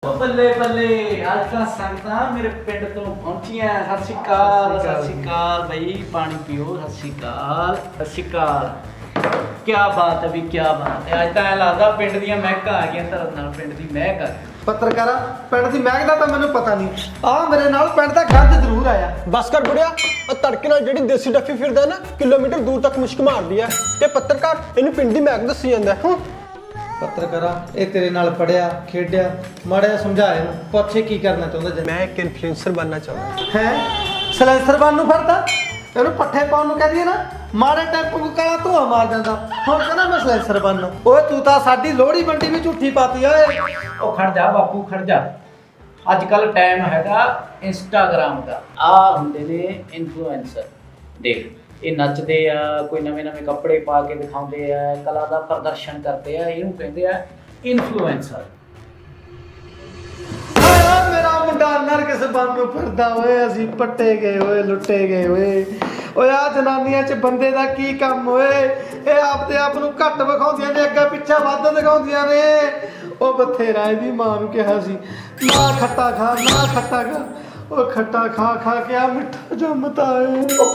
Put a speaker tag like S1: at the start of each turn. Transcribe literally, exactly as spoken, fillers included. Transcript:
S1: ਬੱਲੇ ਬੱਲੇ ਅੱਜ ਤਾਂ ਸੰਗਤਾਂ ਮੇਰੇ ਪਿੰਡ ਤੋਂ ਪਹੁੰਚੀਆਂ। ਸਤਿ ਸ਼੍ਰੀ ਅਕਾਲ, ਸਤਿ ਸ਼੍ਰੀ ਅਕਾਲ ਬਈ, ਪਾਣੀ ਪੀਓ। ਸਤਿ ਸ਼੍ਰੀ ਅਕਾਲ, ਸਤਿ ਸ਼੍ਰੀ ਅਕਾਲ। ਕੀ ਬਾਤ ਹੈ ਵੀ, ਕੀ ਬਾਤ ਹੈ। ਅੱਜ ਤਾਂ ਐਂ ਲੱਗਦਾ ਪਿੰਡ ਦੀਆਂ ਮਹਿਕਾਂ ਆ ਗਈਆਂ, ਧਰਨ ਨਾਲ ਪਿੰਡ ਦੀ ਮਹਿਕ ਆ ਗਈ।
S2: ਪੱਤਰਕਾਰਾ, ਪਿੰਡ ਦੀ ਮਹਿਕ ਦਾ ਤਾਂ ਮੈਨੂੰ ਪਤਾ ਨਹੀਂ, ਆ ਮੇਰੇ ਨਾਲ ਪਿੰਡ ਦਾ ਗੰਦ ਜ਼ਰੂਰ ਆਇਆ।
S3: ਬਸ ਕਰ ਬੁੜਿਆ, ਆ ਤੜਕੇ ਨਾਲ ਜਿਹੜੀ ਦੇਸੀ ਡੱਫੀ ਫਿਰਦਾ ਨਾ ਕਿਲੋਮੀਟਰ ਦੂਰ ਤੱਕ ਮੁਸ਼ਕ ਮਾਰਦੀ ਹੈ ਤੇ ਪੱਤਰਕਾਰ ਇਹਨੂੰ ਪਿੰਡ ਦੀ ਮਹਿਕ ਦੱਸੀ ਜਾਂਦਾ ਹੈ।
S2: ਪੱਤਰਕਾਰਾ, ਇਹ ਤੇਰੇ ਨਾਲ ਪੜਿਆ ਖੇਡਿਆ, ਮਾੜਾ ਜਿਹਾ ਸਮਝਾ ਇਹਨੂੰ, ਪੁੱਛੇ ਕੀ ਕਰਨਾ ਚਾਹੁੰਦਾ ਜੀ।
S3: ਮੈਂ ਇੱਕ ਇਨਫਲੂਐਂਸਰ ਬਣਨਾ ਚਾਹੁੰਦਾ।
S2: ਹੈ ਸਲੈਂਸਰ ਬਣ ਨੂੰ ਫਿਰਦਾ, ਇਹਨੂੰ ਪੱਠੇ ਪਾਉਣ ਨੂੰ ਕਹਦੀ ਨਾ, ਮਾੜੇ ਟੈਂਪੂ ਨੂੰ ਕਾਲਾ ਧੂਆ ਮਾਰ ਜਾਂਦਾ। ਹੁਣ ਕਹਿੰਦਾ ਮੈਂ ਸਲੈਂਸਰ ਬਣਨਾ। ਓਏ ਤੂੰ ਤਾਂ ਸਾਡੀ ਲੋਹੜੀ ਮੰਡੀ ਵੀ ਝੂਠੀ ਪਾਤੀ ਓਏ।
S1: ਉਹ ਖੜ ਜਾ ਬਾਪੂ, ਖੜ ਜਾ। ਅੱਜ ਕੱਲ ਟਾਈਮ ਹੈਗਾ ਇੰਸਟਾਗ੍ਰਾਮ ਦਾ। ਆ ਹੁੰਦੇ ਨੇ ਇਨਫਲੂਐਂਸਰ। ਦੇਖ, ਇਹ ਨੱਚਦੇ ਆ, ਕੋਈ ਨਵੇਂ ਨਵੇਂ ਕੱਪੜੇ ਪਾ ਕੇ ਦਿਖਾਉਂਦੇ ਆ, ਕਲਾ ਦਾ ਪ੍ਰਦਰਸ਼ਨ ਕਰਦੇ ਆ, ਇਹਨੂੰ ਕਹਿੰਦੇ ਆ ਇਨਫਲੂਐਂਸਰ।
S2: ਓਏ ਮੇਰਾ ਮੁੰਡਾ ਨਰਗਸ ਬਣ ਨੂੰ ਫਿਰਦਾ ਓਏ। ਅਸੀਂ ਪੱਟੇ ਗਏ ਓਏ, ਲੁੱਟੇ ਗਏ ਓਏ। ਓਏ ਆ ਜਨਾਨੀਆਂ 'ਚ ਬੰਦੇ ਦਾ ਕੀ ਕੰਮ ਓਏ? ਇਹ ਆਪਦੇ ਆਪ ਨੂੰ ਘੱਟ ਵਿਖਾਉਂਦੀਆਂ ਨੇ, ਅੱਗਾ ਪਿੱਛਾ ਵੱਧ ਦਿਖਾਉਂਦੀਆਂ ਨੇ। ਉਹ ਬਥੇਰਾ ਇਹਦੀ ਮਾਂ ਨੂੰ ਕਿਹਾ ਸੀ, ਨਾ ਖੱਟਾ ਖਾ, ਨਾ ਖੱਟਾ ਖਾ। ਉਹ ਖੱਟਾ ਖਾ ਖਾ ਕੇ ਆ ਮਿੱਠਾ ਜੰਮਤਾ ਏ।